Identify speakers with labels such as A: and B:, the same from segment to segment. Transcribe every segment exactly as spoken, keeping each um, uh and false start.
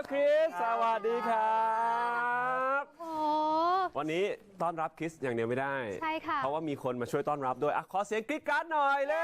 A: คริสสวัสดีครับ
B: โอ้
A: วันนี้ต้อนรับคริสอย่างเดียวไม่ได้
B: ใช่ค่ะ
A: เพราะว่ามีคนมาช่วยต้อนรับด้วยอ่ะขอเสียงกรี๊ดกราร์ดหน่อยเลย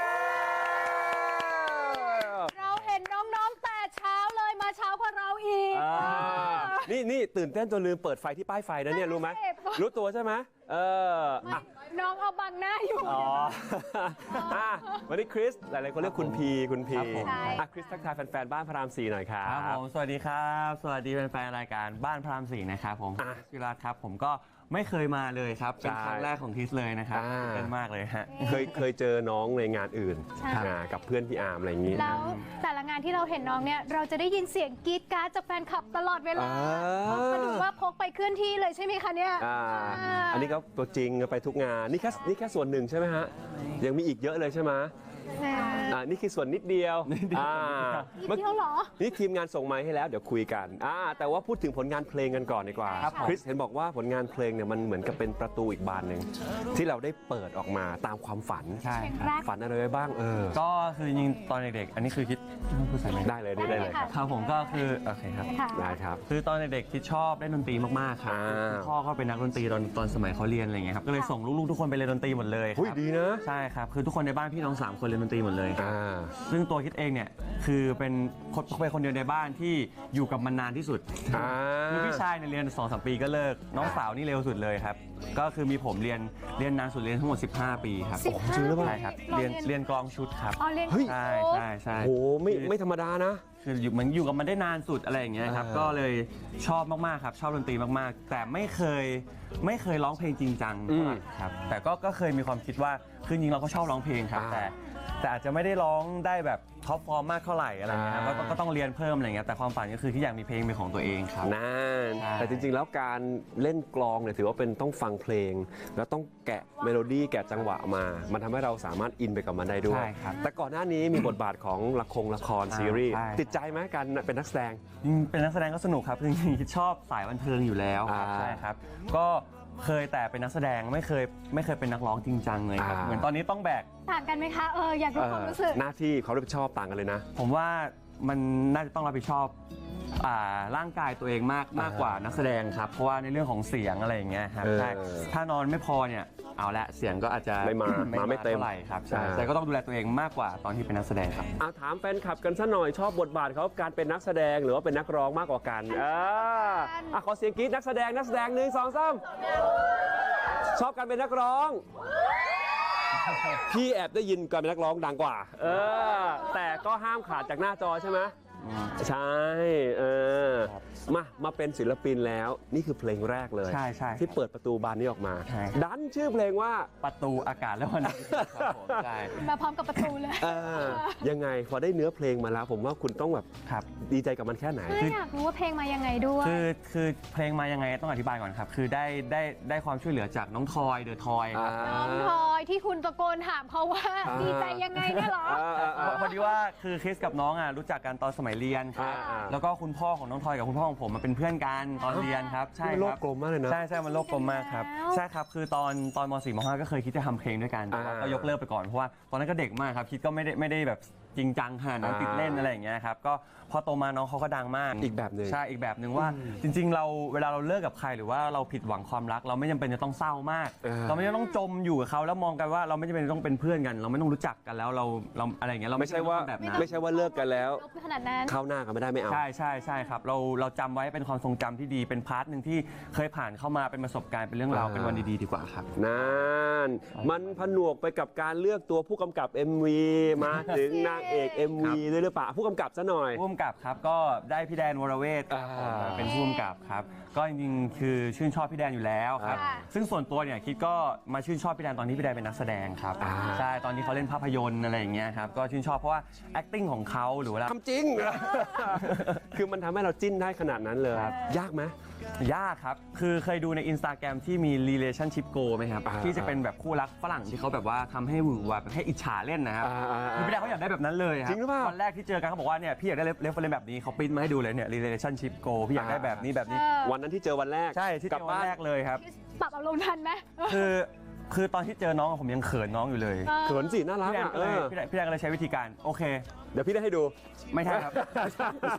B: เราเห็นน้องๆแต่เช้าเลยมาเช้ากว่าเราอีก
A: นี่นี่ตื่นเต้นจนลืมเปิดไฟที่ป้ายไฟนะเนี่ยรู้ไหมรู้ตัวใช่ไหมเอออ่ะ
B: น้องเอาบังหน้าอยู่
A: อ๋ออ่ะวันนี้คริสหลายๆคนเรียกคุณพีคุณพี
C: ครับผม
A: อ่ะคริสทักทายแฟนๆบ้านพระรามสี่หน่อยครั
C: ครับ บผมสวัสดีครับสวัสดีแฟนๆรายการบ้านพระรามสี่นะครับผม
A: อ่ะ
C: ชิรัตน์ครับผมก็ไม่เคยมาเลยครับเป็นครั้งแรกของทิสเลยนะครับ
A: อ่า
C: ตื่นเต้นมากเลยฮะ
A: เคยเคยเจอน้องในงานอื่น
B: ใช่
A: อ่ากับเพื่อนพี่อาร์มอะไรอย่างนี้
B: แล้วแต่ละงานที่เราเห็นน้องเนี่ยเราจะได้ยินเสียงกรี๊ดกราร์ดจากแฟนคลับตลอดเวลา
A: อ่า
B: มาดูว่าพกไปเคลื่อนที่เลยใช่ไหมคะเนี่ย
A: อ่า
B: อ่า
A: อันนี้ก็ตัวจริงไปทุกงานนี่แค่นี่แค่ส่วนหนึ่งใช่ไหมฮะยังมีอีกเยอะเลยใช่ไหม
B: แหม
A: อ่านี่คือส่วนนิดเดียวอ่า
B: นิดเดียวเหรอ
A: นี่ทีมงานส่งไมค์ให้แล้วเดี๋ยวคุยกันอ่าแต่ว่าพูดถึงผลงานเพลงกันก่อนดีกว่า
B: ครับผม
A: คริสเห็นบอกว่าผลงานเพลงเนี่ยมันเหมือนกับเป็นประตูอีกบานหนึ่งที่เราได้เปิดออกมาตามความฝัน
C: ใช่
B: เพลง
C: ครับ
B: แรก
A: ฝันอะไรไว้บ้างเออ
C: ก็คือจริงๆตอนเด็กๆอันนี้คือคิดพูดใส่ไหม
A: ได้เลยนี่ได้เลยครับ
C: ครับผมก็คือโอเคครับ
B: ค่ะ
A: ได้ครับ
C: คือตอนเด็กๆคิดชอบเล่นดนตรีมากๆครับ
A: อ่า
C: พ่อก็เป็นนักดนตรีตอนตอนสมัยเขาเรียนอะไรเงี้ยครับก็เลยส่งลูกๆทุกคนไปเรียนดนตรีหมดเลยค
A: หุ้ย
C: รับ
A: ดีนะ
C: ใช่ครับคือทุกคนในบ้านพี่น้องสามคนเรียนดนตรีหมดเลยครับ
A: อ่า
C: ซึ่งตัวคิดเองเนี่ยคือเป็นคนเป็นคนเดียวในบ้านที่อยู่กับมันนานที่สุด
A: อ่า
C: คือพี่ชายเนี่ยเรียนสองสามปีก็เลิกน้องสาวนี่เร็วสุดเลยครับก็คือมีผมเรียนเรียนนานสุดเรียนทั้งหมดสิบห้าปีครับ
B: สิบห้า
A: จริงหรือเปล่า
C: ใช่ครับเรียนเรียนกลองชุดครับ
B: อ๋อเรียน
A: เฮ้ย
C: ใช่ใช่ใช่
A: โหไม่ไม่ธรรมดานะ
C: คืออยู่มันอยู่กับมันได้นานสุดอะไรอย่างเงี้ยครับ
A: อ่า
C: ก็เลยชอบมากๆครับชอบดนตรีมากๆ แต่ไม่เคยไม่เคยร้องเพลงจริงจังเท่าไหร่ครับแต่ก็ก็เคยมีความคิดว่าคือจริงๆเราก็ชอบร้องเพลงครับ
A: อ่า
C: แต่แต่อาจจะไม่ได้ร้องได้แบบท็อปฟอร์มมากเท่าไหร่อะไรเงี้ยครับ
A: อ่า
C: ก็ก็ต้องเรียนเพิ่มอะไรเงี้ยแต่ความฝันก็คือที่อยากมีเพลงเป็นของตัวเองครับ
A: นั่น
C: ใช่
A: แต่จริงๆ แล้วการเล่นกลองเนี่ยถือว่าเป็นต้องฟังเพลง แล้วต้องแกะเมโลดี้แกะจังหวะมา มันทำให้เราสามารถอินไปกับมันได้ด้วย
C: ใช่ครับ
A: แต่ก่อนหน้านี้มีบทบาทของละครละครซีรีส์
C: ใช่
A: ติดใจไหมการเป็นนักแสดง
C: จริงๆเป็นนักแสดงก็สนุกครับจริงๆชอบสายบันเทิงอยู่แล้วครับ
A: อ่า
C: ใช่ครับก็เคยแต่เป็นนักแสดงไม่เคยไม่เคยเป็นนักร้องจริงจังเลยครับ
A: อ่า
C: เหมือนตอนนี้ต้องแบก
B: ต่างกันไหมคะเอออยากรู้ความรู้สึก
A: หน้าที่เขารับผิดชอบต่างกันเลยนะ
C: ผมว่ามันน่าจะต้องรับผิดชอบอ่าร่างกายตัวเองมากมากกว่านักแสดงครับ เพราะว่าในเรื่องของเสียงอะไรอย่างเงี้ยครับ
A: เออ
C: ใช่ถ้านอนไม่พอเนี่ยเอาละเสียงก็อาจจะ
A: ไม่มามาไม่เต็ม
C: เท่าไหร่ครับใช่
A: อ่า
C: แต่ก็ต้องดูแลตัวเองมากกว่าตอนที่เป็นนักแสดงครับ
A: เอาถามแฟนคลับกันซะหน่อยชอบบทบาทเขาการเป็นนักแสดงหรือว่าเป็นนักร้องมากกว่ากันอ่าอ่ะขอเสียงกรี๊ดนักแสดงนักแสดงหนึ่งสองสามชอบการเป็นนักร้อง พี่แอบได้ยินการเป็นนักร้องดังกว่า เออ แต่ก็ห้ามขาดจากหน้าจอใช่ไหมใช่ เออ
C: ครับ
A: มา มาเป็นศิลปินแล้ว นี่คือเพลงแรกเลย
C: ใช่ใช่
A: ที่เปิดประตูบานนี้ออกมา
C: ใช่
A: ดันชื่อเพลงว่า
C: ประตูอากาศและวันนี้ครับผมใช่
B: มาพร้อมกับประตูเลย
A: เออ ยังไงพอได้เนื้อเพลงมาแล้ว ผมว่าคุณต้องแบบ
C: ครับ
A: ดีใจกับมันแค่ไหน
B: ไม่อยากรู้ว่าเพลงมายังไงด้วย
C: คือคือเพลงมายังไงต้องอธิบายก่อนครับ คือได้ได้ได้ความช่วยเหลือจากน้องทอยเดอะทอยครับ
B: น้องทอยที่คุณตะโกนถามเขาว่า
A: อ่า
B: ดีใจยังไงเนี่ยเหรอ
A: อ่าอ่าอ่า
C: พอดีว่าคือคริสกับน้องอ่ะรู้จักกันตอนสมัยเรียนครับ
A: อ่า
C: แล้วก็คุณพ่อของน้องทอยกับคุณพ่อของผมมาเป็นเพื่อนกันตอนเรียนครับใช่
A: นี่
C: ค
A: โล
C: รั
A: ก
C: บ
A: กลมมากเลยนะ
C: ใช่ใช่มันโลกกลมมากครับ
B: แล้ว
C: ใช่ครับคือตอนตอนม .สี่ ม .ห้า ก็เคยคิดจะทำเพลงด้วยกันแต่ว่า
A: อ่า
C: ก็ยกเลิกไปก่อนเพราะว่าตอนนั้นก็เด็กมากครับคิดก็ไม่ได้ไม่ได้แบบจริงจังขนาดนั้น
A: อ่า
C: ติดเล่นอะไรอย่างเงี้ยครับก็พอโตมาน้องเขาก็ดังมาก
A: อีกแบบหนึ่ง
C: ใช่อีกแบบหนึ่งว่าจริง ๆ เราเวลาเราเลิกกับใครหรือว่าเราผิดหวังความรัก เราไม่จำเป็นจะต้องเศร้ามาก
A: เออ
C: เราไม่จำเป็นต้องจมอยู่กับเขาแล้วมองกันว่าเราไม่จำเป็นต้องเป็นเพื่อนกัน เราไม่ต้องรู้จักกันแล้วเราเราอะไรอย่างเงี้ยเรา
A: ไม่ใช่ว่า
C: จำเป็นต้องทำแบบนั้น
A: ไม่ใช่ว่าเลิกกันแล้ว
B: ลบขนาดนั้น
A: เข้าหน้ากันไม่ได้ไม่เอา
C: ใช่ใช่ใช่ครับเราเราจำไว้เป็นความทรงจำที่ดีเป็นพาร์ทหนึ่งที่เคยผ่านเข้ามาเป็นประสบการณ์เป็นเรื่องราว
A: อ่า
C: เป็นวันดีๆดีกว่าครับ
A: นั่นมันผนวกไปกับการเลือกตัวผู้กำกับ เอ็ม วี มาถึงนางเอก เอ็ม วี ด้วยหรือเปล่าผู้กำกับซะหน่อย
C: ผู้กำกับครับก็ได้พี่แดนวรเวทครับผม
A: อ่า
C: เป็นผู้กำกับครับก็จริงๆคือชื่นชอบพี่แดนอยู่แล้วครับ
B: ค่ะ
C: ซึ่งส่วนตัวเนี่ยคิดก็มาชื่นชอบพี่แดนตอนที่พี่แดนเป็นนักแสดงครับ
A: อ่า
C: ใช่ตอนที่เขาเล่นภาพยนตร์อะไรอย่างเงี้ยครับก็ชื่นชอบเพราะว่า acting ของเขาหรือว่า
A: ทำจริง คือมันทำให้เราจิ้นได้ขนาดนั้นเลย
C: ครับ
A: ยากไหม
C: ยากครับ คือเคยดูใน Instagram ที่มี relationship goal ไหมครับ
A: อ่า
C: ที่จะเป็นแบบคู่รักฝรั่งที่เขาแบบว่าทำให้หวือหวาแบบให้อิจฉาเล่นนะครับ
A: อ่าอ่าอ่า
C: คือพี่แดนเขาอยากได้แบบนั้นเลยครั
A: จริงหรือเปล่า
C: วันแรกที่เจอกันเขาบอกว่าเนี่ยพี่อยากได้เรฟเฟอเรนซ์แบบนี้เขาปริ้นมาให้ดูเลยเนี่ย relationship goal พี่อยากได้แบบนี้แบบนี้
B: เออ
A: วันนั้นที่เจอวันแรก
C: ใช่ที่
A: กลั
C: เจ
A: บ
C: อวัน
A: บ้าน
C: แรกเลยครับ
B: ปรับอารมณ์ทันไหม
C: คือคือตอนที่เจอน้องอะผมยังเขินน้องอยู่เลย
B: เออ
A: เขินสิน่ารัก
C: พี่แดน
A: อ่ะ
C: ก็
A: เอ
C: เลย
A: อ
C: พี่แดนพี่แดนก็เลยใช้วิธีการโอเค
A: เดี๋ยวพี่ได้ให้ดู
C: ไม่ใช่ครับ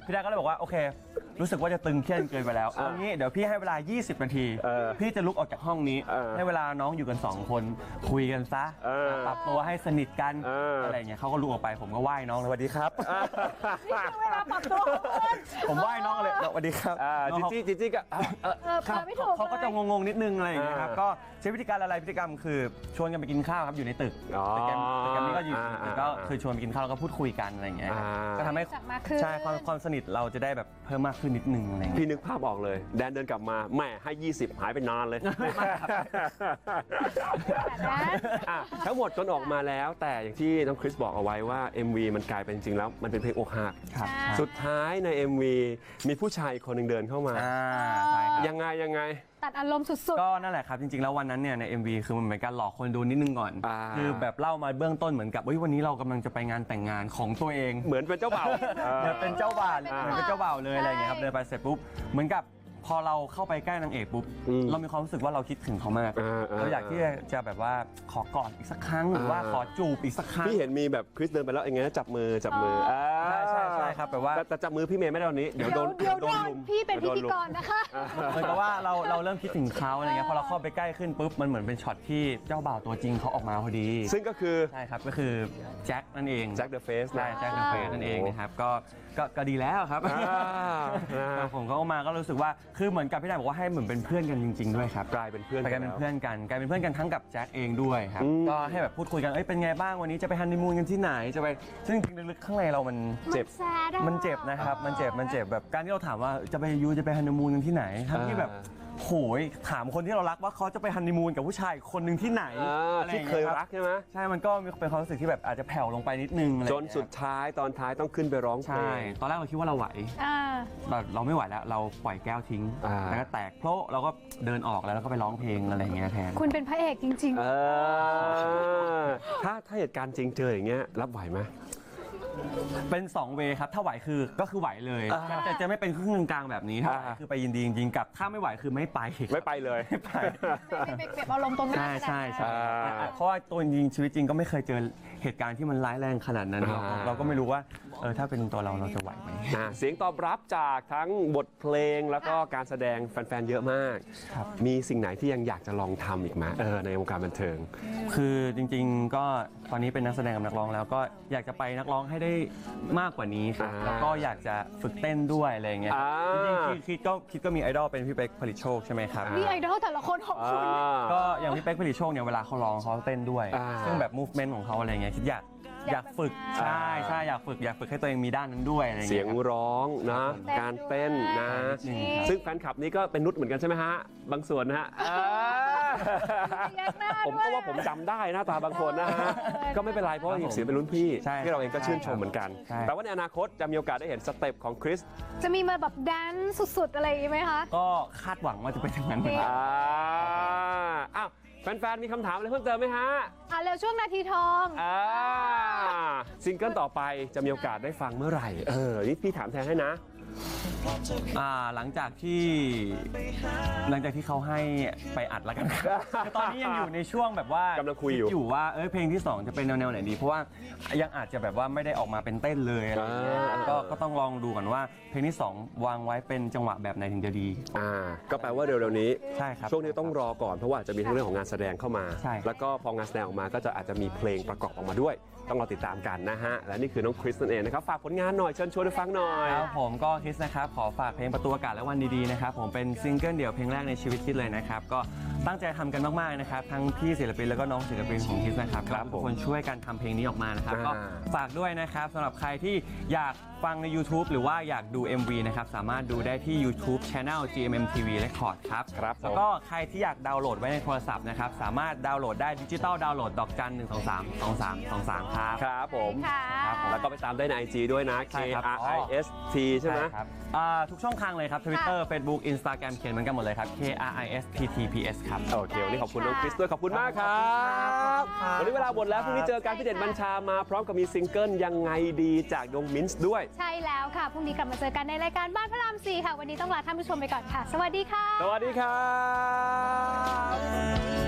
C: พี่แดกก็เลยบอกว่าโอเค รู้สึกว่าจะตึงเครียดเกินไปแล้วเอางี้เดี๋ยวพี่ให้เวลา ยี่สิบ นาที
A: เออ
C: พี่จะลุกออกจากห้องนี้
A: เออ
C: ให้เวลาน้องอยู่กันสองคนคุยกันซะ
A: เออ
C: ปรับตัวให้สนิทกัน
A: เอออ
C: อะไรอย่างเงี้ยเขาก็ลุกออกไปผมก็ไหว้น้องเลยสวัสดีครับ
B: นี่คือเวลาปรับตัวของคุณ
C: ผมไหว้น้องเลยสวัสดีครับ
A: อ่า
C: น้อง
A: จิ
C: เขา
A: จี้จิจี้ก็เออเออ
B: เออ
C: ครับ
B: เปิดไม่ถูก
C: เขาก็จะ
B: เลย
C: งงๆนิดนึงอะไรอย่างเงี้ยครับ
A: อ่า
C: ก็ใช้วิธีการอะไรพฤติกรรมคือชวนกันไปกินข้าวครับอยู่ในตึก
A: อ๋อ
C: ตึกแกรมตึกแกรมนี้ก็อยู่
A: อ่า
C: ตึกก็คือชวนไปกินข้าวแล้วก็พูดคุยกันอะไรอย่างเงี้ยครับ
A: อ่า
C: ก็ทำให้
B: จับมาคือ
C: ใช่ความความสนิทเราจะได้แบบเพิ่มมากขึ้นนิดนึงอะไรอย่างเงี้ย
A: พี่นึกภาพออกเลย แดนเดินกลับมาแม่ให้ ยี่สิบ หายไปนานเลย
B: แบบนั้น
A: อ่ะทั้งหมดจนออกมาแล้วแต่อย่างที่น้องคริสบอกเอาไว้ว่า เอ็ม วี มันกลายเป็นจริงๆแล้วมันเป็นเพลงอกหัก
C: ครับ
B: ใช่
A: สุดท้ายใน เอ็ม วี มีผู้ชายคนหนึ่งเดินเข้ามา
C: อ่าใช่ครับ
A: ยังไงยังไง
B: ตัดอารมณ์สุด
C: ก็นั่นแหละครับจริงๆแล้ววันนั้นเนี่ยใน เอ็ม วี คือมันเหมือนการหลอกคนดูนิดนึงก่อน
A: อ่า
C: คือแบบเล่ามาเบื้องต้นเหมือนกับเฮ้ยวันนี้เรากำลังจะไปงานแต่งงานของตัวเอง
A: เหมือนเป็นเจ้าบ่าว
C: เหมือนเป็นเจ้าบ่าว
B: อ่า
C: เหมือนเป็นเจ้าบ่าวเลยอะไรอย่างเงี้ยครับเดินไปเสร็จปุ๊บเหมือนกับพอเราเข้าไปใกล้นางเอกปุ๊บ
A: อืม
C: เรามีความรู้สึกว่าเราคิดถึงเขามาก
A: อ่าอ่า
C: เราอยากที่จะแบบว่าขอกอดอีกสักครั้งหรือว่า
A: อ่า
C: ขอจูบอีกสักครั้ง
A: พี่เห็นมีแบบคริสเดินไปแล้วอย่างเงี้ยจับมือจับมืออ่า
C: ใช่ใช่ใช่ครับแบบว่า
A: แต่แต่จับมือพี่เมย์ไม่ได้วันนี้
B: ๆ
A: เดี๋ยว
B: เดี๋
A: โด
B: ยวน เดี๋ยว
A: โด
B: โด
A: น
B: น
A: ลุม
B: พี่เป็นพิ
A: ดี๋ยวโด
B: ธี
A: ลุม
B: กรนะคะ
C: เหมือนกับว่าเราเราเริ่มคิดถึงเขาอะไรเงี้ยพอเราเข้าไปใกล้ขึ้นปุ๊บมันเหมือนเป็นช็อตที่เจ้าบ่าวตัวจริงเขาออกมาพอดี
A: ซึ่งก็คือ
C: ใช่ครับก็คือแจ็คนั่นเอง
A: แจ็คเดอะเฟส
C: ใช่แจ็คเดอะเฟสนั่นเองนะครับก็ก็ก็ดีแล้วครับ
A: อ่านะ
C: แต่ผมก็มาก็รู้สึกว่าคือเหมือนกับพี่นายบอกว่าให้เหมือนเป็นเพื่อนกันจริง ๆด้วยครับ
A: กลายเป็นเพื่อน
C: ไปกลายเป็น
A: แล้ว
C: เพื่อนกันกลายเป็นเพื่อนกันทั้งกับแจ็คเองด้วยครับ
A: อืม
C: ก็ให้แบบพูดคุยกันเอ้ยเป็นไงบ้างวันนี้จะไปฮันนีมูนกันที่ไหนจะไปซึ่งจริงๆลึกๆข้างในเรามัน
A: เจ็บ
B: มันแซดอะ
C: มันเจ็บนะครับมันเจ็บมันเจ็บแบบการที่เราถามว่าจะไปยูจะไปฮันนีมูนกันที่ไหนทั้งที่แบบโหยถามคนที่เรารักว่าเขาจะไปฮันนีมูนกับผู้ชายคนหนึ่งที่ไหน
A: อ่า
C: อะไรอ
A: ที่
C: ย่าง
A: เค
C: งี้
A: ย
C: ครับ
A: รักใช่ไหม
C: ใช่มันก็มีเป็นความรู้สึกที่แบบอาจจะแผ่วลงไปนิดนึงอะไรอ
A: จ
C: ย่าง
A: น
C: เงี้ย
A: สุดท้ายตอนท้ายต้องขึ้นไปร้องเพล
C: ใช่
A: ง
C: ตอนแรกเราคิดว่าเราไหว
B: อ่า
C: เราเราไม่ไหวแล้ว เราปล่อยแก้วทิ้ง
A: อ่า
C: แล้วก็แตกเพราะเราก็เดินออกแล้วแล้วก็ไปร้องเพลงอะไรอย่างเงี้ยแทน
B: คุณเป็นพระเอกจริง
A: เออถ้าถ้าเหตุการณ์จริงเจออย่างเงี้ยรับไหวไหม
C: เป็น สอง เวย์ครับ ถ้าไหวคือก็คือไหวเลย
A: อ่า
C: แต่จะไม่เป็นครึ่งกลางๆแบบนี้ถ้าไหว
A: อ่า
C: คือไปยินดีจริงๆกับถ้าไม่ไหวคือไม่ไป
A: ไม่ไปเลย
C: ไม่ไป
B: ๆ ไม่เก็บอารมณ์ตรงนั้น
C: ใช่ใช่ใช่
A: อ่า
C: เพราะว่าตัวจริงชีวิตจริงก็ไม่เคยเจอเหตุการณ์ที่มันร้ายแรงขนาดนั้น
A: อ่า
C: เราก็ไม่รู้ว่าเออถ้าเป็นตัวเราเราจะไหวไหม
A: อ่าเสียงตอบรับจากทั้งบทเพลงแล้วก็การแสดงแฟนๆ เยอะมาก
C: ครับ
A: มีสิ่งไหนที่ยังอยากจะลองทำอีกไหมเออในวงการบันเทิง
C: คือจริงๆก็ตอนนี้เป็นนักแสดงกับนักร้องแล้วก็อยากจะไปนักร้องให้ได้มากกว่านี้ครับ
A: อ่า
C: แล้วก็อยากจะฝึกเต้นด้วยอะไรอย่างเงี้ย
A: อ่า
C: จริงๆคิดคิดก็คิดก็มีไอดอลเป็นพี่เป๊กผลิตโชคใช่ไหมครับ
B: นี่ไอดอลแต่ละคนของ
A: อ่
B: คุณ
A: า
C: ก็อย่างพี่เป๊กผลิตโชคเนี่ยเวลาเขาร้องเขาเต้นด้วย
A: อ่า
C: ซึ่งแบบ movement ของเขาอะไรเงี้ยคิดอยากอยากฝึก
B: แบบนั้น
C: ใช่ใช่อยากฝึกอยากฝึกให้ตัวเองมีด้านนั้นด้วยอะไร
A: เสี
C: เงี้
A: ย
C: ย
A: ง
C: ครับ
A: ร้องนะ
B: เต้น
A: การเต้นนะ
C: ด้วย
A: ซึ่งแฟนคลับนี้ก็เป็นนุชเหมือนกันใช่ไหมฮะ บางส่วนนะฮะอ่า
B: เรียกหน้า
A: ผม
B: ด้วย
A: ก็ว่าผมจำได้หน้าตาบางคนนะฮะ ก็ไม่เป็นไรเพราะว่ายังเสียงเป็นรุ่นพี่
C: ใช่
A: ที่เราเองก็ชื่นชมเหมือนกัน
C: ใช่
A: แต่ว่าในอนาคตจะมีโอกาสได้เห็นสเต็ปของคริส
B: จะมีมาแบบแดนซ์สุดๆ อะไรอย่างงี้ไหมคะ
C: ก็คาดหวังว่าจะเป็นอย่างนั้นเหมือนกัน
A: อ่าอ้าวแฟนๆ มีคำถามอะไรเพิ่มเติมไหมฮะ
B: อ่ะเร็วช่วงนาทีทอง
A: อ่าซิงเกิลต่อไปจะมีโอกาสได้ฟังเมื่อไหร่ เออ นี่พี่ถามแทนให้นะ
C: อ่าหลังจากที่หลังจากที่เขาให้ไปอัดแล้วกันครับคือตอนนี้ยังอยู่ในช่วงแบบว่าก
A: ำลังคุยอยู่
C: อยู่ว่าเอ้ยเพลงที่สองจะเป็นแนวๆไหนดี เพราะว่ายังอาจจะแบบว่าไม่ได้ออกมาเป็นเต้นเลยอะไรอย่างเงี้ย
A: อ่า
C: ก็ก็ต้องลองดูก่อนว่าเพลงที่สองวางไว้เป็นจังหวะแบบไหนถึงจะดี
A: อ่า ก็แปลว่าเร็วๆนี้
C: ใช่ครับ
A: ช่วงนี้ต้องรอก่อนเพราะว่าจะมีทั้งเรื่องของงานแสดงเข้ามา
C: ใช่
A: แล้วก็พองานแสดงออกมาก็จะอาจจะมีเพลงประกอบออกมาด้วย ต้องรอติดตามกันนะฮะ และนี่คือน้องคริสนั่นเองนะครับ ฝากผลงานหน่อยเชิญชวนให้ฟังหน่อย
C: ครับผมก็คิดนะครับขอฝากเพลงประตูอากาศและวันดีๆนะครับผมเป็นซิงเกิลเดี่ยวเพลงแรกในชีวิตคิดเลยนะครับก็ตั้งใจทำกันมากๆนะครับทั้งพี่ศิลปินแล้วก็น้องศิลปินของคิดนะครับ
A: ครับ
C: ทุกคนช่วยกันทำเพลงนี้ออกมานะครับ
A: อ่า
C: ก็ฝากด้วยนะครับสำหรับใครที่อยากฟังใน YouTube หรือว่าอยากดู เอ็ม วี นะครับสามารถดูได้ที่ YouTube Channel จี เอ็ม เอ็ม ที วี Record ครับ
A: ครับผม
C: แล้วก็ใครที่อยากดาวน์โหลดไว้ในโทรศัพท์นะครับสามารถดาวน์โหลดได้ดิจิตอลดาวน์โหลดดอกจันหนึ่งสองสามสองสามสองสามครับ
A: ครับผม
B: ค่ะ
C: ครับผม
A: แล้วก็ไปตามได้ใน ไอ จี ด้วยนะ K
C: ใช่ครับ
A: R I S T ใช่ไหม
C: ครับอ่าทุกช่องทางเลยครับ Twitter Facebook Instagram เขียนเหมือนกันหมดเลยครับ K R I S T T P S ครับ
A: โอเค วันนี้ขอบคุณน้องคริสด้วยขอบคุณมากครับ
C: ครับ
A: วันนี้เวลาหมดแล้วพรุ่งนี้เจอกันพี่เด่นบัญชามาพร้อมกับมีซิงเกิลยังไงดีจากดงมินส์ด้วย
B: ใช่แล้วค่ะ พรุ่งนี้กลับมาเจอกันในรายการบ้านพระรามสี่ค่ะ วันนี้ต้องลาท่านผู้ชมไปก่อนค่ะ สวัสดีค่ะ
A: สวัสดีครับ